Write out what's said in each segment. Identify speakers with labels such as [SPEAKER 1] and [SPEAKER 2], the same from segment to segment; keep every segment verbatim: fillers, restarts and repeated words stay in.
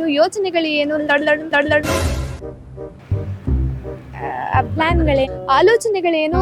[SPEAKER 1] ಯೋಚನೆಗಳು ಏನು, ಪ್ಲಾನ್ಗಳೇ, ಆಲೋಚನೆಗಳೇನು.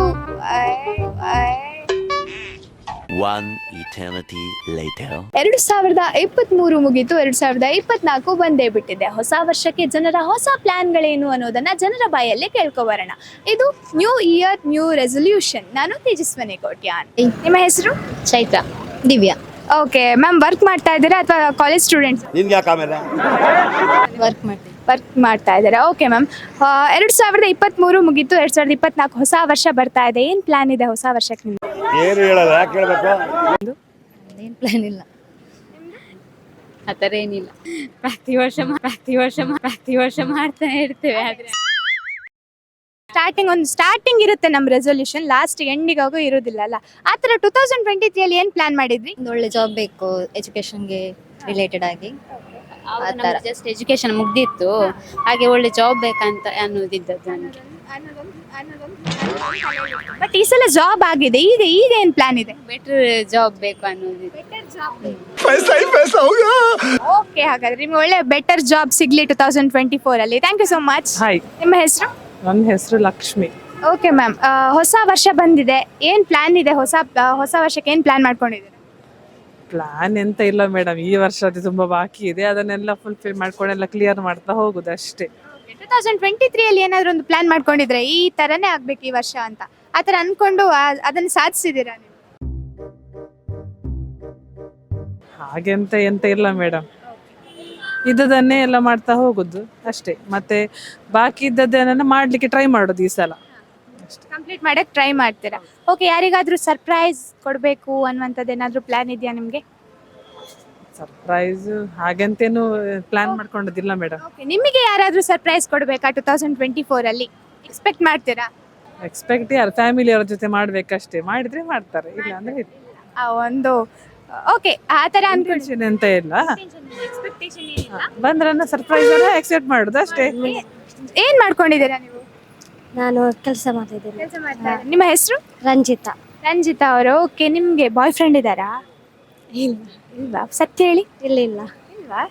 [SPEAKER 2] One eternity later.
[SPEAKER 1] ಎರಡು ಸಾವಿರದ ಇಪ್ಪತ್ತ್ ಮೂರು ಮುಗೀತು, ಎರಡು ಸಾವಿರದ ಇಪ್ಪತ್ನಾಲ್ಕು ಬಂದೇ ಬಿಟ್ಟಿದೆ. ಹೊಸ ವರ್ಷಕ್ಕೆ ಜನರ ಹೊಸ ಪ್ಲಾನ್ಗಳೇನು ಅನ್ನೋದನ್ನ ಜನರ ಬಾಯಲ್ಲೇ ಕೇಳ್ಕೊಬರೋಣ. ಇದು ನ್ಯೂ ಇಯರ್ ನ್ಯೂ ರೆಸೊಲ್ಯೂಷನ್. ನಾನು ತೇಜಸ್ವಿನಿ ಕೋಟ್ಯಾನ್. ನಿಮ್ಮ ಹೆಸರು?
[SPEAKER 3] Chaitra. Divya.
[SPEAKER 1] Okay ma'am, work ಮಾಡ್ತಾ ಇದ್ದೀರಾ ಅಥವಾ ಕಾಲೇಜ್ ಸ್ಟೂಡೆಂಟ್ಸ್?
[SPEAKER 4] ನಿಮ್ಗೆ ಯಾಕೆ ಆಮೇಲೆ
[SPEAKER 3] ವರ್ಕ್ ಮಾಡ್ತೀನಿ.
[SPEAKER 1] ವರ್ಕ್ ಮಾಡ್ತಾ ಇದ್ದಾರೆ. ಓಕೆ ಮ್ಯಾಮ್, ಎರಡು ಸಾವಿರದ ಇಪ್ಪತ್ತ್ಮೂರು ಮುಗೀತು, ಎರಡು ಸಾವಿರದ ಇಪ್ಪತ್ನಾಲ್ಕು ಹೊಸ ವರ್ಷ ಬರ್ತಾ ಇದೆ. ಏನು ಪ್ಲಾನ್ ಇದೆ ಹೊಸ ವರ್ಷಕ್ಕೆ ನಿಮ್ಗೆ?
[SPEAKER 4] ಏನು ಹೇಳಲ್ಲ, ಯಾಕೆ ಹೇಳ್ಬೇಕು?
[SPEAKER 3] ಏನು ಪ್ಲಾನ್ ಇಲ್ಲ, ಆ ಥರ ಏನಿಲ್ಲ. ಪ್ರತಿ ವರ್ಷ ಪ್ರತಿ ವರ್ಷ ಪ್ರತಿ ವರ್ಷ ಮಾಡ್ತಾನೆ ಇರ್ತೇವೆ. ಆದರೆ
[SPEAKER 1] ಸ್ಟಾರ್ಟಿಂಗ್ ಒಂದು ಸ್ಟಾರ್ಟಿಂಗ್ ಇರುತ್ತೆ ನಮ್ಮ ರೆಸೊಲ್ಯೂಷನ್, ಲಾಸ್ಟ್ ಎಂಡಿಗಾಗೂ ಇರೋದಿಲ್ಲ ಅಲ್ಲ. ಆ ಥರ ಟೂ ತೌಸಂಡ್ ಟ್ವೆಂಟಿ ತ್ರೀಯಲ್ಲಿ ಏನು ಪ್ಲಾನ್ ಮಾಡಿದ್ರಿ?
[SPEAKER 3] ಒಂದು ಒಳ್ಳೆ ಜಾಬ್ ಬೇಕು, ಎಜುಕೇಷನ್ಗೆ ರಿಲೇಟೆಡ್ ಆಗಿ.
[SPEAKER 5] ಜಸ್ಟ್ ಎಜುಕೇಶನ್ ಮುಗ್ದಿತ್ತು, ಹಾಗೆ ಒಳ್ಳೆ ಜಾಬ್ ಬೇಕಂತ ಅನ್ನೋದಿದ್ದದ್ದು ನನಗೆ.
[SPEAKER 1] ಬಟ್ ಈ ಸಲ ಜಾಬ್ ಆಗಿದೆ, ಈಗ ಈಗ ಏನು ಪ್ಲಾನ್ ಇದೆ?
[SPEAKER 5] ಬೆಟರ್ ಜಾಬ್ ಬೇಕು ಅನ್ನೋದಿದೆ.
[SPEAKER 1] ಓಕೆ, ಹಾಗಾದ್ರೆ ನಿಮ್ಗೆ ಒಳ್ಳೆ ಬೆಟರ್ ಜಾಬ್ ಸಿಗ್ಲಿ ಟೂ ತೌಸಂಡ್ ಟ್ವೆಂಟಿ ಫೋರ್ ಅಲ್ಲಿ. Thank you so much.
[SPEAKER 6] Hi,
[SPEAKER 1] ನಿಮ್ಮ ಹೆಸರು?
[SPEAKER 6] ನನ್ನ ಹೆಸರು ಲಕ್ಷ್ಮಿ.
[SPEAKER 1] ಓಕೆ ಮ್ಯಾಮ್, ಹೊಸ ವರ್ಷ ಬಂದಿದೆ, ಏನು ಪ್ಲಾನ್ ಇದೆ? ಹೊಸ ಹೊಸ ವರ್ಷಕ್ಕೆ ಏನು ಪ್ಲಾನ್ ಮಾಡ್ಕೊಂಡಿದ್ದೀರಾ?
[SPEAKER 6] ಪ್ಲಾನ್ ಎಂತ ಇಲ್ಲ ಮೇಡಮ್, ಈ ವರ್ಷ ಅದು ತುಂಬಾ ಬಾಕಿ ಇದೆ, ಅದನ್ನೆಲ್ಲ ಫುಲ್ಫಿಲ್ ಮಾಡ್ಕೊಂಡೆಲ್ಲ ಕ್ಲಿಯರ್ ಮಾಡ್ತಾ ಹೋಗುದು ಅಷ್ಟೇ.
[SPEAKER 1] ಟೂ ತೌಸಂಡ್ ಟ್ವೆಂಟಿ ತ್ರೀಯಲ್ಲಿ ಏನಾದರೂ ಒಂದು ಪ್ಲಾನ್ ಮಾಡ್ಕೊಂಡಿದ್ರೆ ಈ ಥರನೇ ಆಗ್ಬೇಕು ಈ ವರ್ಷ ಅಂತ, ಆ ಥರ ಅನ್ಕೊಂಡು ಅದನ್ನು ಸಾಧಿಸಿದ್ದೀರಾ ನೀವು?
[SPEAKER 6] ಹಾಗೆಂತ ಎಂತ ಇಲ್ಲ ಮೇಡಮ್, ಇದ್ದದನ್ನೇ ಎಲ್ಲ ಮಾಡ್ತಾ ಹೋಗುದು ಅಷ್ಟೇ. ಮತ್ತೆ ಬಾಕಿ ಇದ್ದದ್ದನ್ನ ಮಾಡ್ಲಿಕ್ಕೆ ಟ್ರೈ ಮಾಡೋದು ಈ ಸಲ.
[SPEAKER 1] ಕಂಪ್ಲೀಟ್ ಮಾಡಕ್ಕೆ ಟ್ರೈ ಮಾಡ್ತೀರಾ? ಓಕೆ, ಯಾರಿಗಾದ್ರೂ ಸರ್ಪ್ರೈಸ್ ಕೊಡಬೇಕು ಅನ್ನುವಂಥದ್ದು ಏನಾದರೂ ಪ್ಲಾನ್ ಇದೆಯಾ ನಿಮಗೆ?
[SPEAKER 6] ಸರ್ಪ್ರೈಸ್ ಹಾಗೆಂತೇನು ಪ್ಲಾನ್ ಮಾಡ್ಕೊಂಡದಿಲ್ಲ ಮೇಡಮ್.
[SPEAKER 1] ಓಕೆ, ನಿಮಗೆ ಯಾರಾದರೂ ಸರ್ಪ್ರೈಸ್ ಕೊಡಬೇಕಾ ಟೂ ತೌಸಂಡ್ ಟ್ವೆಂಟಿ ಫೋರಲ್ಲಿ? ಎಕ್ಸ್ಪೆಕ್ಟ್ ಮಾಡ್ತೀರಾ?
[SPEAKER 6] ಎಕ್ಸ್ಪೆಕ್ಟ್ ಯಾರು ಫ್ಯಾಮಿಲಿಯವರ ಜೊತೆ ಮಾಡ್ಬೇಕಷ್ಟೇ, ಮಾಡಿದ್ರೆ ಮಾಡ್ತಾರೆ, ಇಲ್ಲ ಅಂದ್ರೆ ಇಲ್ಲ.
[SPEAKER 1] ಆ ಒಂದು ಓಕೆ, ಆ ಥರ ಅನ್ಕೊಂಡು
[SPEAKER 6] ಟೆನ್ಷನ್ ಎಂತ ಇಲ್ಲ, ಬಂದ್ರನ್ನ ಸರ್ಪ್ರೈಸ್ ಎಕ್ಸೆಪ್ಟ್ ಮಾಡುದು ಅಷ್ಟೇ.
[SPEAKER 1] ಏನು ಮಾಡ್ಕೊಂಡಿದ್ದೀರಾ ನೀವು?
[SPEAKER 3] ನಾನು ಕೆಲಸ ಮಾಡ್ತಿದ್ದೇನೆ.
[SPEAKER 1] ಕೆಲಸ ಮಾಡ್ತಾ ಇದ್ದೀರಾ. ನಿಮ್ಮ ಹೆಸರು?
[SPEAKER 3] ರಂಜಿತಾ.
[SPEAKER 1] ರಂಜಿತಾ ಅವರು. ಓಕೆ, ನಿಮಗೆ ಬಾಯ್ ಫ್ರೆಂಡ್ ಇದ್ದಾರಾ?
[SPEAKER 3] ಇಲ್ಲ.
[SPEAKER 1] ಇಲ್ವಾ? ಸತ್ಯ ಹೇಳಿ.
[SPEAKER 3] ಇಲ್ಲ ಇಲ್ಲ
[SPEAKER 1] ಇಲ್ವಾ?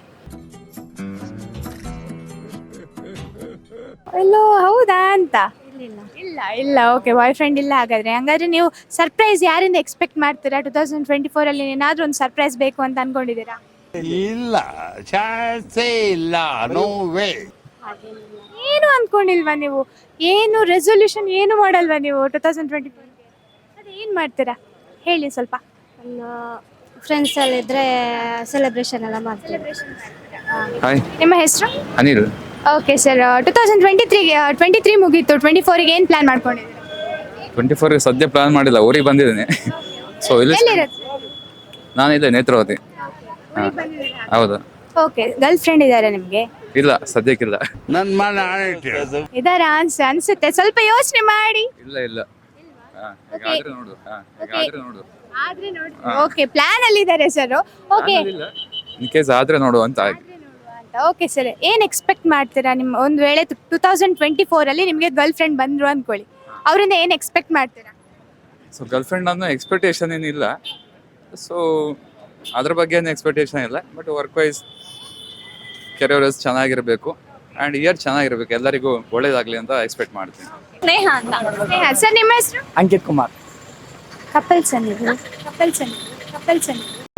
[SPEAKER 1] ಎಲ್ಲೋ ಹೌದಾ ಅಂತ?
[SPEAKER 3] ಇಲ್ಲ
[SPEAKER 1] ಇಲ್ಲ ಇಲ್ಲ. ಓಕೆ, ಬಾಯ್ ಫ್ರೆಂಡ್ ಇಲ್ಲ ಹಾಗಾದ್ರೆ. ಹಂಗಾದ್ರೆ ನೀವು ಸರ್ಪ್ರೈಸ್ ಯಾರಿಂದ ಎಕ್ಸ್ಪೆಕ್ಟ್ ಮಾಡ್ತೀರಾ ಟೂ ತೌಸಂಡ್ ಟ್ವೆಂಟಿ ಫೋರ್ ಅಲ್ಲಿ? ಏನಾದ್ರೂ ಒಂದು ಸರ್ಪ್ರೈಸ್ ಬೇಕು ಅಂತ ಅನ್ಕೊಂಡಿದ್ದೀರಾ?
[SPEAKER 4] ಇಲ್ಲ, ಚಾನ್ಸೇ ಇಲ್ಲ, ನೋ ವೇ.
[SPEAKER 1] ಏನು ಅನ್ಕೊಂಡಿಲ್ವಾ ನೀವು? ಏನು ರೆಸೊಲ್ಯೂಷನ್ ಏನು ಮಾಡಲ್ವಾ ನೀವು ಟೂ ತೌಸಂಡ್ ಟ್ವೆಂಟಿ ಫೋರ್? ಅದೇ ಏನು ಮಾಡ್ತೀರಾ ಹೇಳಿ ಸ್ವಲ್ಪ.
[SPEAKER 3] ನನ್ನ ಫ್ರೆಂಡ್ಸ್ ಎಲ್ಲ ಇದ್ರೆ ಸೆಲೆಬ್ರೇಷನ್ ಎಲ್ಲ ಮಾಡ್ತೀವಿ.
[SPEAKER 7] ಹಾಯ್,
[SPEAKER 1] ನಿಮ್ಮ ಹೆಸರು?
[SPEAKER 7] Anil.
[SPEAKER 1] Okay sir, two thousand twenty ತ್ರೀಗೆ ಟ್ವೆಂಟಿ ತ್ರೀ ಮುಗೀತು, ಟ್ವೆಂಟಿ ಫೋರಿಗೆ ಏನು ಪ್ಲಾನ್ ಮಾಡ್ಕೊಂಡಿದ್ದೀರಾ?
[SPEAKER 7] ಟ್ವೆಂಟಿ ಫೋರ್ ಸದ್ಯ ಪ್ಲಾನ್ ಮಾಡಿಲ್ಲ, ಊರಿಗೆ ಬಂದಿದ್ದೇನೆ. ಸೊ ಇಲ್ಲಿ
[SPEAKER 1] ಎಲ್ಲಿರುತ್ತೆ?
[SPEAKER 7] ನಾನು ಇಲ್ಲ, ನೇತ್ರಾವತಿ. ಹಾಂ, ಹೌದು.
[SPEAKER 1] ಓಕೆ, ಗರ್ಲ್ ಫ್ರೆಂಡ್ ಇದ್ದಾರೆ ನಿಮಗೆ?
[SPEAKER 7] ಇಲ್ಲ, ಸದ್ಯಕ್ಕಿಲ್ಲ.
[SPEAKER 4] ನನ್ನ ಮನೆ ಆಡಿಟ್ಟು
[SPEAKER 1] ಇದಾರ ಅನ್ಸ ಅನ್ಸುತ್ತೆ, ಸ್ವಲ್ಪ ಯೋಚನೆ ಮಾಡಿ.
[SPEAKER 7] ಇಲ್ಲ ಇಲ್ಲ. ಹಾಂ, ಹೇಗಾದ್ರೆ ನೋಡು. ಹಾಂ, ಹೇಗಾದ್ರೆ ನೋಡು.
[SPEAKER 1] ಓಕೆ, ಪ್ಲಾನ್ ಅಲ್ಲಿ ಇದ್ದಾರೆ ಸರ್. ಓಕೆ,
[SPEAKER 7] ಇನ್ ಕೇಸ್ ಆದ್ರೆ ನೋಡು ಅಂತ ಆಯ್ತು.
[SPEAKER 1] ಓಕೆ ಸರ್, ಏನು ಎಕ್ಸ್ಪೆಕ್ಟ್ ಮಾಡ್ತೀರಾ? ನಿಮ್ಮ ಒಂದು ವೇಳೆ ಟೂ ತೌಸಂಡ್ ಟ್ವೆಂಟಿ ಫೋರ್ ಅಲ್ಲಿ ನಿಮಗೆ ಗರ್ಲ್ ಫ್ರೆಂಡ್ ಬಂದ್ರು ಅನ್ಕೊಳ್ಳಿ, ಅವರಿಂದ ಏನು ಎಕ್ಸ್ಪೆಕ್ಟ್ ಮಾಡ್ತೀರಾ?
[SPEAKER 7] ಸೊ ಗರ್ಲ್ ಫ್ರೆಂಡ್ ಅನ್ನೋ ಎಕ್ಸ್ಪೆಕ್ಟೇಷನ್ ಏನಿಲ್ಲ, ಸೊ ಅದ್ರ ಬಗ್ಗೆ ಏನು ಎಕ್ಸ್ಪೆಕ್ಟೇಷನ್ ಇಲ್ಲ. ಬಟ್ ವರ್ಕ್ ವೈಸ್ ಕೆರಿಯರ್ ಚೆನ್ನಾಗಿರಬೇಕು ಆ್ಯಂಡ್ ಇಯರ್ ಚೆನ್ನಾಗಿರ್ಬೇಕು, ಎಲ್ಲರಿಗೂ ಒಳ್ಳೇದಾಗಲಿ ಅಂತ ಎಕ್ಸ್ಪೆಕ್ಟ್ ಮಾಡ್ತೀನಿ.
[SPEAKER 1] ಸ್ನೇಹ ಅಂತ. ಸ್ನೇಹ ಸರ್, ನಿಮ್ಮ ಹೆಸರು?
[SPEAKER 6] ಅಂಕಿತ್ ಕುಮಾರ್.
[SPEAKER 1] ಕಪಲ್ಸ್ ನೀವು? ಕಪಲ್ಸ್ ಕಪಲ್ಸ್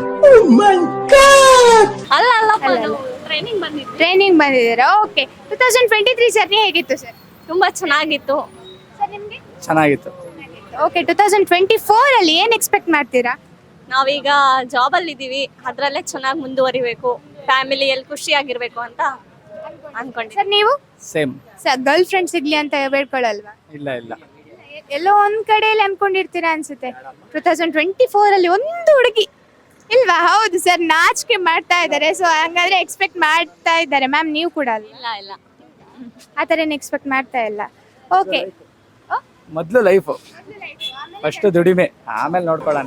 [SPEAKER 5] ಅಲ್ಲ ಅಲ್ಲ
[SPEAKER 1] ಟ್ರೈನಿಂಗ್ ಬಂದಿದ್ದೀರಾ? ಟ್ರೈನಿಂಗ್ ಬಂದಿದ್ದೀರಾ? Okay, two thousand twenty three journey ಹೇಗಿತ್ತು ಸರ್?
[SPEAKER 5] ತುಂಬಾ ಚೆನ್ನಾಗಿತ್ತು
[SPEAKER 1] ಸರ್. ನಿಮಗೆ?
[SPEAKER 6] ಚೆನ್ನಾಗಿತ್ತು.
[SPEAKER 1] Okay, two thousand twenty four ಅಲ್ಲಿ ಏನು ಎಕ್ಸ್ಪೆಕ್ಟ್ ಮಾಡ್ತೀರಾ?
[SPEAKER 5] ನಾವೀಗ ಜಾಬ್ ಅಲ್ಲಿ ಇದೀವಿ, ಅದ್ರಲ್ಲೇ ಚೆನ್ನಾಗಿ ಮುಂದುವರಿಬೇಕು, ಫ್ಯಾಮಿಲಿಯಲ್ಲಿ ಖುಷಿಯಾಗಿರ್ಬೇಕು ಅಂತ ಅನ್ಕೊಂಡೆ.
[SPEAKER 1] ಸರ್ ನೀವು?
[SPEAKER 6] ಸೇಮ್.
[SPEAKER 1] ಸರ್, ಗರ್ಲ್ ಫ್ರೆಂಡ್ ಸಿಗ್ಲಿ ಅಂತ ಬೇಡ್ಕೊಳ್ಳಲ್ವಾ?
[SPEAKER 6] ಇಲ್ಲ ಇಲ್ಲ.
[SPEAKER 1] ಎಲ್ಲೋ ಒಂದ್ ಕಡೆಯಲ್ಲಿ ಅನ್ಕೊಂಡಿರ್ತೀರಾ ಅನ್ಸುತ್ತೆ. ಟೂ ತೌಸಂಡ್ ಟ್ವೆಂಟಿ ಫೋರ್ ಅಲ್ಲಿ ಒಂದು ಹುಡುಗಿ ಇಲ್ವಾ? ಹೌದು ಸರ್, ನಾಚಿಕೆ ಮಾಡ್ತಾ ಇದ್ದಾರೆ. ಸೊ ಹಂಗಾದ್ರೆ ಎಕ್ಸ್ಪೆಕ್ಟ್ ಮಾಡ್ತಾ ಇದ್ದಾರೆ ಮ್ಯಾಮ್, ನೀವು ಕೂಡ ಅಲ್ಲ?
[SPEAKER 5] ಇಲ್ಲ ಇಲ್ಲ,
[SPEAKER 1] ಆ ಥರ ಏನು ಎಕ್ಸ್ಪೆಕ್ಟ್ ಮಾಡ್ತಾ ಇಲ್ಲ. ಓಕೆ,
[SPEAKER 8] ಮೊದಲು ಲೈಫು, ಫಸ್ಟ್ ದುಡಿಮೆ, ಆಮೇಲೆ ನೋಡ್ಕೊಳ್ಳೋಣ.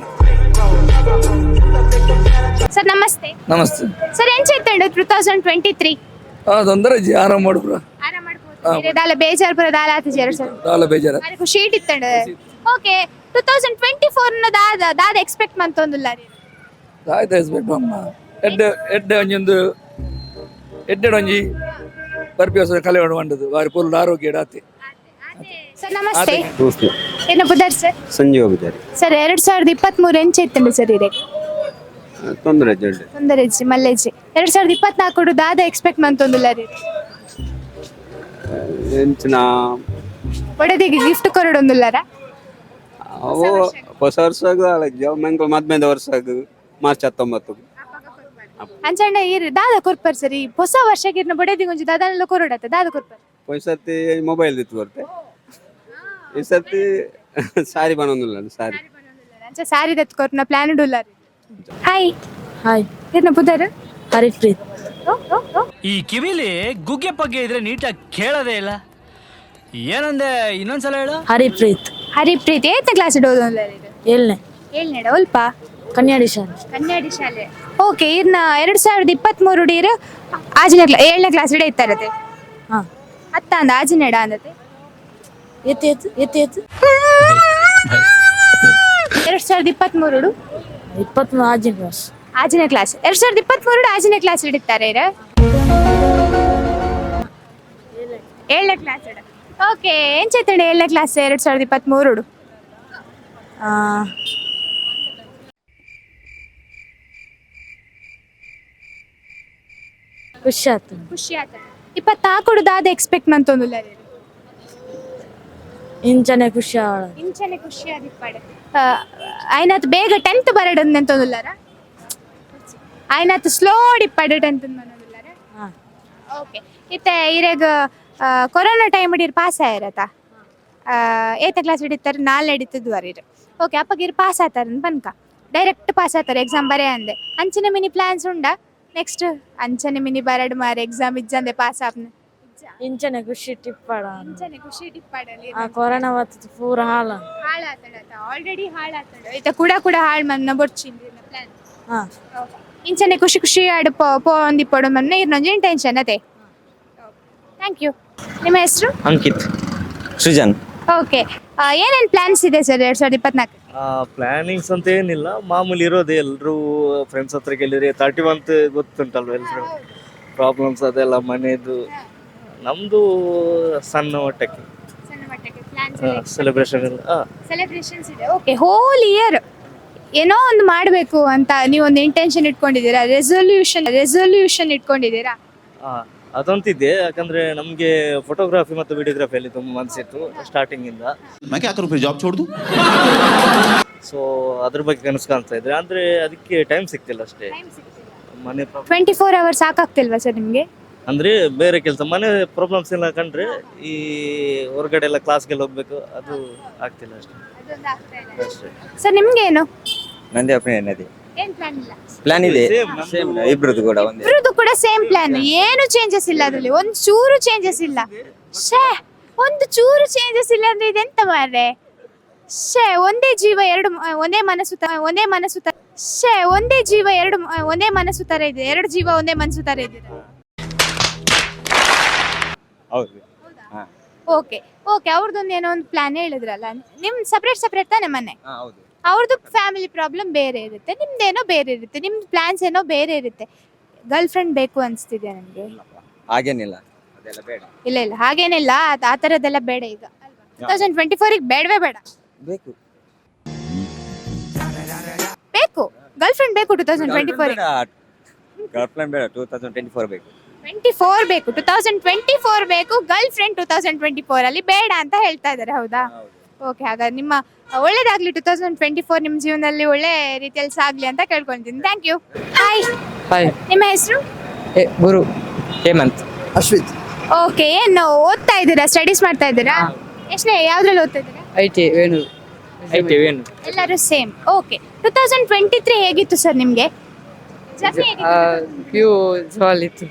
[SPEAKER 1] ಸರ್ ನಮಸ್ತೆ.
[SPEAKER 8] ನಮಸ್ತೆ
[SPEAKER 1] ಸರ್, ಏನ್ ಚೈತಂಡು ಟೂ ತೌಸಂಡ್ ಟ್ವೆಂಟಿ ತ್ರೀ?
[SPEAKER 8] ತೊಂದರೆ ಆರಾಮ್ ಮಾಡ್ಬ್ರ,
[SPEAKER 1] ಆರಾಮ್ ಮಾಡ್ಬೋದು. ದಾಲ ಬೇಜಾರ್ ಪುರ ದಾಲ ಆತಿಜಾರ ಸರ್,
[SPEAKER 8] ದಾಲ ಬೇಜಾರ
[SPEAKER 1] ಅರೆ ಖುಷಿ ಇಟ್ಟಿತ್ತಂಡು. Okay, two thousand twenty four ನ ದಾದ ದಾದ ಎಕ್ಸ್ಪೆಕ್ಟ್ ಮಂತೊಂದುಲ್ಲ ರೀ?
[SPEAKER 8] ಆಯ್ತು ಎಸ್ಬೇಕು ಅಮ್ಮ. ಎಡ್ಡೆ ಎಡ್ಡೆ ಒಂಜೊಂದು ಎಡ್ಡೆಡು ಒಂಜಿ ಬರ್ಪಿ ಹೊಸ ಕಲೆ ಮಂಡದು ಬಾರಿ ಪೂರ್ಣ ಆರೋಗ್ಯ ಡಾತಿ
[SPEAKER 1] ಸರ್ ನಮಸ್ತೆ ಏನು ಬುಧರ್ ಸರ್
[SPEAKER 9] ಸಂಜೀವ ಬುಜಾರಿ
[SPEAKER 1] ಸರ್ ಎರಡ್ ಸಾವಿರದ ಇಪ್ಪತ್ತ್ ಮೂರು ಎಂಚ ಇತ್ತಂಡು ಸರ್ ಇದೆ
[SPEAKER 9] ತೊಂದರೆ ಜಲ್ದಿ
[SPEAKER 1] ತೊಂದರೆಜ್ಜಿ ಮಲ್ಲೆಜ್ಜಿ ಎರಡ್ ಸಾವಿರದ ಇಪ್ಪತ್ನಾಲ್ಕು ದಾದ ಎಕ್ಸ್ಪೆಕ್ಟ್ ಮಂತೊಂದುಲ್ಲ ರೀ
[SPEAKER 9] ಎಂಚಿನ
[SPEAKER 1] ಒಡೆದಿಗೆ ಗಿಫ್ಟ್ ಕೊರಡೊಂದುಲ್ಲಾರ
[SPEAKER 9] ಅವು ಹೊಸ ವರ್ಷಾಗ ಮಂಗಳ ಮದ್ಮೇದ ವರ್ಷಾಗ ಮಾರ್ಚ್ ಹತ್ತೊಂಬತ್ತು
[SPEAKER 1] ಅಂಚಂಡ ಇರ್ ದಾದ ಕೊರ್ಪರ್ ಸರಿ ಹೊಸ ವರ್ಷಕ್ಕೆ ಇರ್ನ ಬೊಡೆದಿಗೆ ಒಂಜಿ ದಾದನೆಲ್ಲ ಕೊರಡತ್ತ ದಾದ ಕೊರ್ಪರ್
[SPEAKER 9] ಈ ಸರ್ತಿ ಮೊಬೈಲ್ ದಿತ್ತು ಬರ್ತೆ ಈ ಸರ್ತಿ ಸಾರಿ ಬನ್ನೊಂದಿಲ್ಲ ಸಾರಿ
[SPEAKER 1] ಅಂಚ ಸಾರಿ ದತ್ ಕೊರ್ನ ಪ್ಲಾನ್ ಉಲ್ಲ ಹಾಯ್
[SPEAKER 3] ಹಾಯ್
[SPEAKER 1] ಇರ್ನ ಬುಧರ್
[SPEAKER 3] ಹರಿಪ್ರೀತ್
[SPEAKER 10] ಈ ಕಿವಿಲಿ ಗುಗ್ಗೆ ಪಗ್ಗೆ ಇದ್ರೆ ನೀಟಾಗಿ ಕೇಳೋದೇ ಇಲ್ಲ ಏನಂದೆ ಇನ್ನೊಂದ್ಸಲ ಹೇಳು.
[SPEAKER 3] ಹರಿಪ್ರೀತ್
[SPEAKER 1] ಹರಿಪ್ರೀತ್ ಏತ ಕ್ಲಾಸ್ ಓದೋಲ್ಲ
[SPEAKER 3] ಏಳನೇ
[SPEAKER 1] ಏಳ್ನೇಡ ಅಲ್ಪ
[SPEAKER 3] ಕನ್ಯಾಡಿ ಶಾಲೆ
[SPEAKER 1] ಕನ್ನಡಿ ಶಾಲೆ ಓಕೆ ಇರ್ನ ಎರಡ್ ಸಾವಿರದ ಇಪ್ಪತ್ತ್ ಮೂರು ಡೀರ್ ಆಜನೇ ಕ್ಲಾ ಏಳನೇ ಕ್ಲಾಸ್ ಇಡ ಇತ್ತಾರತೆ
[SPEAKER 3] ಹಾ
[SPEAKER 1] ಅತ್ತ ಅಂದ ಆಜನೇಡ ಅಂದತೆ
[SPEAKER 3] ಎತ್ತು ಎತ್ತು ಎತ್ತು ಎತ್ತು
[SPEAKER 1] ಎರಡ್ ಸಾವಿರದ ಇಪ್ಪತ್ತ್ ಮೂರು
[SPEAKER 3] ಇಪ್ಪತ್ಮೂರು ಆಜಿನ ಕ್ಲಾಸ್
[SPEAKER 1] ಆಜನೇ ಕ್ಲಾಸ್ ಎರಡ್ ಸಾವಿರದ ಇಪ್ಪತ್ತ್ ಮೂರು ಆಜನೇ ಕ್ಲಾಸ್ ಇಡಿತಾರೆ ಇರ ಏಳನೇ ಕ್ಲಾಸ್ ಇಡ ಓಕೆ ಏನ್ ಚೈತಂಡ ಏಳನೇ ಕ್ಲಾಸ್ ಎರಡ್ ಸಾವಿರದ ಇಪ್ಪತ್ತ್ ಮೂರು
[SPEAKER 3] ಖುಷಿ ಆಯ್ತು
[SPEAKER 1] ಖುಷಿ ಆತ ಇಪ್ಪತ್ನಾಲ್ಕು ದಾದ ಎಕ್ಸ್ಪೆಕ್ಟ್ ಮಂತೊಂದುಲ್ಲ ರೀ
[SPEAKER 3] ಇಂಚನೆ ಖುಷಿ ಆಳ
[SPEAKER 1] ಇಂಚನೆ ಖುಷಿ ಆದಿಪ್ಪಾಡೆ ಆಯ್ನಾತ್ ಬೇಗ ಟೆಂತ್ ಬರಡನ್ ಅಂತಂದುಲ್ಲಾರ ಆಯ್ನಾತ್ ಸ್ಲೋ ಡಿಪ್ಪಾಡೆ ಟೆಂತ್ ಅನ್ನೋದಿಲ್ಲಾರ
[SPEAKER 3] ಹಾ
[SPEAKER 1] ಓಕೆ ಇತ್ತೆ ಇರೆಗ ಕೊರೋನಾ ಟೈಮ್ ಹಿಡಿರ್ ಪಾಸ್ ಆಯಿರತ್ತ ಏತ ಕ್ಲಾಸ್ ಹಿಡಿತಾರೆ ನಾಲ್ಕು ಹಿಡಿತದ್ದು ವರೀರು ಓಕೆ ಅಪ್ಪಗಿರ್ ಪಾಸ್ ಆತಾರ ಬನ್ಕ ಡೈರೆಕ್ಟ್ ಪಾಸ್ ಆತಾರೆ ಎಕ್ಸಾಮ್ ಬರೇ ಅಂದೆ ಅಂಚನೆ ಮಿನಿ ಪ್ಲಾನ್ಸ್ ಉಂಡ ನೆಕ್ಸ್ಟ್ ಅಂಚನೆ ಮಿನಿ ಬರಡ್ ಮಾರ ಎಕ್ಸಾಮ್ ಇಜ್ಜಂದೆ ಪಾಸ್ ಆಪ್ನ
[SPEAKER 3] ಇಂಚನೆ ಖುಷಿ ಟಿಪ್ಪಾಡ
[SPEAKER 1] ಅಂಚನೆ ಖುಷಿ ಡಿಪ್ಪಾಡಲ್ಲಿ
[SPEAKER 3] ಆ ಕೊರೋನಾ ಬರ್ತದೆ ಪೂರ ಹಾಳ
[SPEAKER 1] ಹಾಳಾತಡತ ಆಲ್ರೆಡಿ ಹಾಳಾತಡ ಐತ ಕೂಡ ಕೂಡ ಹಾಳ್ ಮನ್ನ ಬೊಡ್ಚಿಂದಿ ಪ್ಲಾನ್
[SPEAKER 3] ಹಾ
[SPEAKER 1] ಇಂಚನೆ ಖುಷಿ ಖುಷಿ ಆಡು ಪೋ ಪೋ ಒಂದಿ ಪೊಡು ಮನ್ನ ಇರ್ನೊಂಜಿನ ಟೆನ್ಷನ್ ಅದೇ ಥ್ಯಾಂಕ್ ಯು ನಿಮ್ಮ ಹೆಸರು
[SPEAKER 9] ಅಂಕಿತ್ ಸೃಜನ್
[SPEAKER 1] ಓಕೆ ಏನೇನು ಪ್ಲಾನ್ಸ್ ಇದೆ ಸರ್ ಎರಡ್ ಸಾವಿರದ ಇಪ್ಪತ್ನಾಲ್ಕು
[SPEAKER 11] ಪ್ಲಾನಿಂಗ್ಸ್ ಅಂತ ಏನಿಲ್ಲ ಮಾಮೂಲಿ ಇರೋದೇ ಎಲ್ಲರೂ ಫ್ರೆಂಡ್ಸ್ ಹತ್ರ ಕೇಳಿದ್ರೆ ತರ್ಟಿ ಮಂತ್ ಗೊತ್ತುಂಟಲ್ವ ಎಲ್ಲರೂ ಪ್ರಾಬ್ಲಮ್ಸ್ ಅದೆಲ್ಲ ಮನೆದು ನಮ್ದು ಸಣ್ಣ ಮಟ್ಟಕ್ಕೆ
[SPEAKER 1] ಸಣ್ಣ ಮಟ್ಟಕ್ಕೆ ಪ್ಲಾನ್ಸ್
[SPEAKER 11] ಸೆಲೆಬ್ರೇಷನ್ ಎಲ್ಲ ಆ,
[SPEAKER 1] ಸೆಲೆಬ್ರೇಷನ್ಸ್ ಇದೆ ಓಕೆ ಹೋಲ್ ಇಯರ್ ಏನೋ ಒಂದು ಮಾಡಬೇಕು ಅಂತ ನೀವು ಒಂದು ಇಂಟೆನ್ಷನ್ ಇಟ್ಕೊಂಡಿದ್ದೀರಾ ರೆಸೊಲ್ಯೂಷನ್ ರೆಸೊಲ್ಯೂಷನ್ ಇಟ್ಕೊಂಡಿದ್ದೀರಾ
[SPEAKER 11] ಆ, ಅದಂತಿದೆ ಯಾಕಂದ್ರೆ ನಮ್ಗೆ ಫೋಟೋಗ್ರಫಿ ಮತ್ತು ವಿಡಿಯೋಗ್ರಫಿಯಲ್ಲಿ ತುಂಬ ಮನಸ್ಸಿತ್ತು ಸ್ಟಾರ್ಟಿಂಗ್ ಇಂದ
[SPEAKER 2] ಜಾಬ್ ಚೋಡ್ದು
[SPEAKER 11] ಸೊ ಅದ್ರ ಬಗ್ಗೆ ಕನಸು ಕಾಣ್ತಾ ಇದ್ರೆ ಅಂದ್ರೆ ಅದಕ್ಕೆ ಟೈಮ್ ಸಿಗ್ತಿಲ್ಲ ಅಷ್ಟೇ ಮನೆ ಪ್ರಾಬ್ಲಮ್
[SPEAKER 1] ಟ್ವೆಂಟಿ ಫೋರ್ ಅವರ್ಸ್ ಸಾಕಾಗ್ತಿಲ್ವಾ ಸರ್ ನಿಮಗೆ
[SPEAKER 11] ಅಂದ್ರೆ ಬೇರೆ ಕೆಲಸ ಮನೆ ಪ್ರಾಬ್ಲಮ್ಸ್ ಎಲ್ಲ ಕಂಡ್ರೆ ಈ ಹೊರಗಡೆ ಎಲ್ಲ ಕ್ಲಾಸ್ಗೆಲ್ಲ ಹೋಗ್ಬೇಕು ಅದು ಆಗ್ತಿಲ್ಲ ಅಷ್ಟೇ ಅಷ್ಟೇ
[SPEAKER 1] ಸರ್ ನಿಮ್ಗೇನು
[SPEAKER 9] ನಂದೇ ಒಪಿನಿಯನ್ ಇದೆ
[SPEAKER 1] ಏನ್ ಪ್ಲಾನ್ ಇಲ್ಲ
[SPEAKER 9] ಪ್ಲಾನ್ ಇದೆ
[SPEAKER 11] Same, ನಮ್ದು
[SPEAKER 9] ಸೇಮ್ ಇಬ್ರದ್ದು ಕೂಡ ಒಂದೇ
[SPEAKER 1] ಇಬ್ರದ್ದು ಕೂಡ ಸೇಮ್ ಪ್ಲಾನ್ ಏನು ಚೇಂಜಸ್ ಇಲ್ಲ ಅದ್ರಲ್ಲಿ ಒಂದು ಚೂರು ಚೇಂಜಸ್ ಇಲ್ಲ ಶೇ ಒಂದು ಚೂರು ಚೇಂಜಸ್ ಇಲ್ಲ ಅಂದ್ರೆ ಇದೆಂತ ಮಾರ್ರೆ ಶೇ ಒಂದೇ ಜೀವ ಎರಡು ಮ- ಒಂದೇ ಮನಸ್ಸು ತ- ಒಂದೇ ಮನಸ್ಸು ತ- ಶೇ ಒಂದೇ ಜೀವ ಎರಡು ಮ- ಒಂದೇ ಮನಸ್ಸು ತರ ಇದೆ ಎರಡು ಜೀವ ಒಂದೇ ಮನಸ್ಸು ತರ ಇದ್ದೀರಾ
[SPEAKER 9] ಹೌದು
[SPEAKER 1] ಓಕೆ ಓಕೆ ಅವ್ರದ್ದೊಂದು ಏನೋ ಒಂದು ಪ್ಲಾನ್ ಹೇಳಿದ್ರಲ್ಲ ನಿಮ್ ಸಪ್ರೇಟ್ ಸಪ್ರೇಟ್ ತಾನೆ ಮನೆ
[SPEAKER 9] ಹಾ ಹೌದು
[SPEAKER 1] ಅವ್ರದ್ದು ಫ್ಯಾಮಿಲಿ ಪ್ರಾಬ್ಲಮ್ ಬೇರೆ ಇರುತ್ತೆ ನಿಮ್ದೇನೋ ಬೇರೆ ಇರುತ್ತೆ ನಿಮ್ ಪ್ಲಾನ್ಸ್ ಏನೋ ಬೇರೆ ಇರುತ್ತೆ ಗರ್ಲ್ ಫ್ರೆಂಡ್ ಬೇಕು ಅನ್ಸ್ತಿದೆ ನನಗೆ
[SPEAKER 9] ಹಾಗೇನಿಲ್ಲ ಅದೆಲ್ಲ ಬೇಡ
[SPEAKER 1] ಇಲ್ಲ ಇಲ್ಲ ಹಾಗೇನಿಲ್ಲ ಅದ್- ಆ ಥರದ್ದೆಲ್ಲ ಬೇಡ ಈಗ ಟೂ ತೌಸಂಡ್ ಟ್ವೆಂಟಿ ಫೋರಿಗೆ ಬೇಡವೇ ಬೇಡ
[SPEAKER 9] ಬೇಕು
[SPEAKER 1] ಬೇಕು ಗರ್ಲ್ ಫ್ರೆಂಡ್ ಬೇಕು two thousand twenty four
[SPEAKER 9] girlfriend ಬೇಡ ಟೂ ತೌಸಂಡ್ ಟ್ವೆಂಟಿ ಫೋರ್ ಬೇಕು
[SPEAKER 1] ಟ್ವೆಂಟಿ ಫೋರ್ ಬೇಕು ಟೂ ತೌಸಂಡ್ ಟ್ವೆಂಟಿ ಫೋರ್ ಬೇಕು girlfriend two thousand twenty four ಅಲ್ಲಿ ಬೇಡ ಅಂತ ಹೇಳ್ತಾ ಇದ್ದಾರೆ ಹೌದಾ ಓಕೆ ಹಾಗಾದ್ರೆ ನಿಮ್ಮ ಒಳ್ಳೇದಾಗ್ಲಿ ಟೂ ತೌಸಂಡ್ ಟ್ವೆಂಟಿ ಫೋರ್ ನಿಮ್ಮ ಜೀವನದಲ್ಲಿ ಒಳ್ಳೆ ರೀತಿಯಲ್ಲಿ ಸಾಗ್ಲಿ ಅಂತ ಕೇಳ್ಕೊಳ್ತೀನಿ ಥ್ಯಾಂಕ್ ಯು ಹಾಯ್
[SPEAKER 8] ಹಾಯ್
[SPEAKER 1] ನಿಮ್ಮ ಹೆಸರು
[SPEAKER 8] ಗುರು ಹೇಮಂತ್
[SPEAKER 9] ಅಶ್ವಿತ್
[SPEAKER 1] ಓಕೆ ಏನು ಓದ್ತಾ ಇದ್ದೀರಾ ಸ್ಟಡೀಸ್ ಮಾಡ್ತಾ ಇದ್ದೀರಾ ಎಷ್ಟನೇ ಯಾವ್ದ್ರಲ್ಲಿ ಓದ್ತಾ ಇದ್ದೀರಾ
[SPEAKER 8] ಐ ಟಿ ವೇಣು ಐ ಟಿ ವೇಣು
[SPEAKER 1] ಎಲ್ಲರೂ same okay two thousand twenty three ಹೇಗಿತ್ತು ಸರ್ ನಿಮಗೆ
[SPEAKER 8] ಪ್ಯೂ ಜಾಲಿ ಇತ್ತು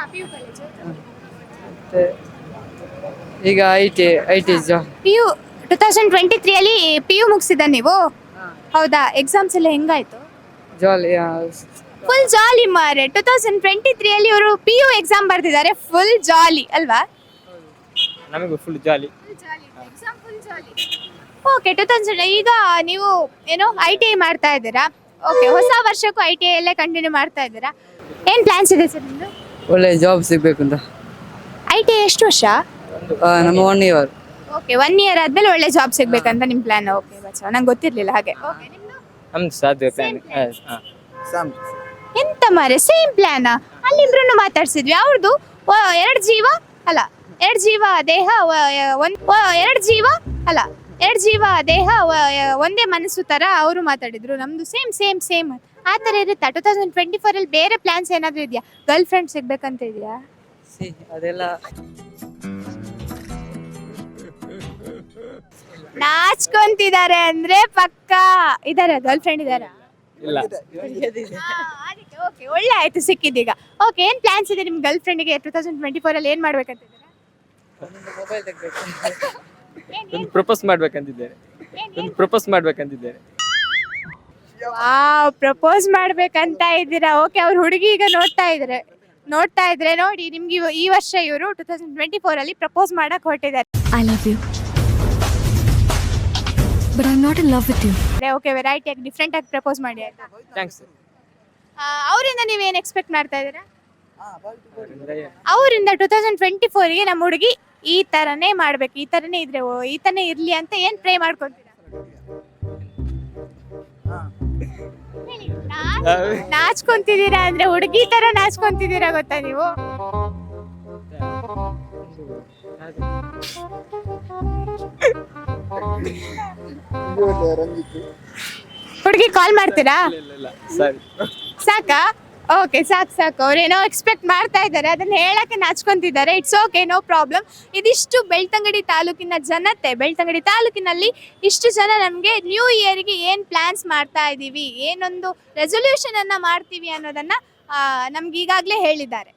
[SPEAKER 8] ಈಗ ಐ ಟಿ ಐ ಟಿ ಜಾ
[SPEAKER 1] P U two thousand twenty ತ್ರೀಯಲ್ಲಿ ಪಿ ಯು ಮುಗಿಸಿದ ನೀವು ಹೌದಾ ಎಕ್ಸಾಮ್ಸ್ ಎಲ್ಲ ಹೆಂಗಾಯ್ತು
[SPEAKER 8] ಜಾಲಿ
[SPEAKER 1] ಫುಲ್ ಜಾಲಿ ಮಾರೆ ಟೂ ತೌಸಂಡ್ ಟ್ವೆಂಟಿ ತ್ರೀಯಲ್ಲಿ ಇವರು ಪಿ ಯು ಎಕ್ಸಾಮ್ ಬರ್ತಿದ್ದಾರೆ ಫುಲ್ ಜಾಲಿ ಅಲ್ವಾ
[SPEAKER 8] ನಮಗೂ full jolly
[SPEAKER 1] okay two thousand ಈಗ ನೀವು ಏನು ಐ ಟಿ ಐ ಮಾಡ್ತಾ ಇದ್ದೀರಾ ಓಕೆ ಹೊಸ ವರ್ಷಕ್ಕೂ ಐ ಟಿ ಐ ಅಲ್ಲೇ ಕಂಟಿನ್ಯೂ ಮಾಡ್ತಾ ಇದ್ದೀರಾ ಏನು ಪ್ಲಾನ್ಸ್ ಇದೆ ಸರ್ ನಿಮ್ಮದು
[SPEAKER 6] ಒಳ್ಳೆ ಜಾಬ್ ಸಿಗ್ಬೇಕು ಅಂತ.
[SPEAKER 1] ಐ ಟಿ ಎಷ್ಟು ವರ್ಷ?
[SPEAKER 6] ನಮ್ಮ one year.
[SPEAKER 1] Okay, one year ಆದ್ಮೇಲೆ ಒಳ್ಳೆ ಜಾಬ್ ಸಿಗ್ಬೇಕಂತ ನಿಮ್ ಪ್ಲಾನ್. ಓಕೆ ಬಚ್ಚ, ನಂಗೆ ಗೊತ್ತಿರ್ಲಿಲ್ಲ ಹಾಗೆ. ಓಕೆ, ನಿಮ್ದು
[SPEAKER 11] ನಮ್ದು ಸಾಧ್ಯ
[SPEAKER 1] Same plan. ಎಂತ ಮಾರೆ ಸೇಮ್ ಪ್ಲಾನ್? ಅಲ್ಲಿಬ್ರು ಮಾತಾಡ್ಸಿದ್ವಿ. ಅವ್ರದ್ದು ಎರಡು ಜೀವ ಅಲ್ಲ ಎರಡು ಜೀವ ದೇಹ ವ- ಒಂದ್ ಎರಡು ಜೀವ ಅಲ್ಲ ಎರಡು ಜೀವ ದೇಹ ವ- ಒಂದೇ ಮನಸ್ಸು ತರ ಅವರು ಮಾತಾಡಿದ್ರು. ನಮ್ದು ಸೇಮ್ ಸೇಮ್ ಸೇಮ್ ಆ ಥರ ಇರುತ್ತಾ? ಟೂ ತೌಸಂಡ್ ಟ್ವೆಂಟಿ ಫೋರ್ ಅಲ್ಲಿ ಬೇರೆ ಪ್ಲಾನ್ಸ್ ಏನಾದ್ರು ಇದೆಯಾ? ಗರ್ಲ್ ಫ್ರೆಂಡ್ ಸಿಗ್ಬೇಕಂತ ಇದೆಯಾ?
[SPEAKER 6] ಅದೆಲ್ಲ
[SPEAKER 1] ನಾಚ್ಕೊಂತಿದ್ದಾರೆ ಅಂದ್ರೆ ಪಕ್ಕ ಇದಾರೆ, ಗರ್ಲ್ ಫ್ರೆಂಡ್ ಇದಾರಾ?
[SPEAKER 11] ಇಲ್ಲ.
[SPEAKER 1] ಅದಕ್ಕೆ ಓಕೆ, ಒಳ್ಳೆ ಆಯ್ತು ಸಿಕ್ಕಿದ್ದೀಗ. ಓಕೆ, ಏನ್ ಪ್ಲಾನ್ಸ್ ಇದೆ ನಿಮ್ ಗರ್ಲ್ ಫ್ರೆಂಡ್ಗೆ ಟೂ ತೌಸಂಡ್ ಟ್ವೆಂಟಿ ಫೋರ್ ಅಲ್ಲಿ ಏನ್ ಮಾಡ್ಬೇಕಂತಿದ್ದೀರಾ?
[SPEAKER 11] ಒಂದು ಪ್ರಪೋಸ್ ಮಾಡ್ಬೇಕಂತಿದ್ದೇನೆ ಒಂದು ಪ್ರಪೋಸ್ ಮಾಡ್ಬೇಕಂತಿದ್ದೇನೆ
[SPEAKER 1] ವಾವ್, ಪ್ರಪೋಸ್ ಮಾಡ್ಬೇಕಂತ ಇದ್ದೀರಾ? ಓಕೆ, ಅವ್ರ ಹುಡುಗಿ ಈಗ ನೋಡ್ತಾ ಇದ್ರೆ ನೋಡ್ತಾ ಇದ್ರೆ ನೋಡಿ, ನಿಮ್ಗೆ ಇವ- ಈ ವರ್ಷ ಇವರು ಟೂ ತೌಸಂಡ್ ಟ್ವೆಂಟಿ ಫೋರ್ ಅಲ್ಲಿ ಪ್ರಪೋಸ್ ಮಾಡಕ್ ಹೊರಟಿದ್ದಾರೆ.
[SPEAKER 3] I love you but I am not in love with you.
[SPEAKER 1] Okay, variety ಆಗಿ ಡಿಫ್ರೆಂಟ್ ಆಗಿ ಪ್ರಪೋಸ್ ಮಾಡಿ ಆಯ್ತಾ?
[SPEAKER 11] ಥ್ಯಾಂಕ್ಸ್.
[SPEAKER 1] ಅವರಿಂದ ನೀವೇನ್ ಎಕ್ಸ್ಪೆಕ್ಟ್ ಮಾಡ್ತಾ ಇದ್ದೀರಾ? ಅವರಿಂದ ಟೂ ತೌಸಂಡ್ ಟ್ವೆಂಟಿ ಫೋರ್ಗೆ ನಮ್ಮ ಹುಡುಗಿ ಈ ತರನೇ ಮಾಡ್ಬೇಕು, ಈ ತರನೇ ಇದ್ರೆ ಓ, ಈ ತರನೇ ಇರ್ಲಿ ಅಂತ ಏನ್ ಪ್ರೇ ಮಾಡ್ಕೊಂತೀರಾ? ಹೇಳಿ. ನಾಚ್- ನಾಚ್ಕೊಂತಿದ್ದೀರಾ ಅಂದ್ರೆ ಹುಡುಗಿ ತರ ನಾಚ್ಕೊಂತಿದ್ದೀರಾ ಗೊತ್ತಾ ನೀವು? ಹುಡುಗಿ ಕಾಲ್ ಮಾಡ್ತೀರಾ?
[SPEAKER 11] ಸರಿ.
[SPEAKER 1] ಸಾಕಾ? ಓಕೆ, ಸಾಕು ಸಾಕು. ಅವ್ರೇನೋ ಎಕ್ಸ್ಪೆಕ್ಟ್ ಮಾಡ್ತಾ ಇದ್ದಾರೆ, ಅದನ್ನ ಹೇಳಕ್ಕೆ ನಾಚ್ಕೊಂತಿದ್ದಾರೆ. It's okay, no problem. ಇದಿಷ್ಟು ಬೆಳ್ತಂಗಡಿ ತಾಲೂಕಿನ ಜನತೆ. ಬೆಳ್ತಂಗಡಿ ತಾಲೂಕಿನಲ್ಲಿ ಇಷ್ಟು ಜನ ನಮಗೆ ನ್ಯೂ ಇಯರ್ಗೆ ಏನು ಪ್ಲಾನ್ಸ್ ಮಾಡ್ತಾ ಇದ್ದೀವಿ, ಏನೊಂದು ರೆಸೊಲ್ಯೂಷನ್ ಅನ್ನ ಮಾಡ್ತೀವಿ ಅನ್ನೋದನ್ನ ನಮ್ಗೆ ಈಗಾಗಲೇ ಹೇಳಿದ್ದಾರೆ.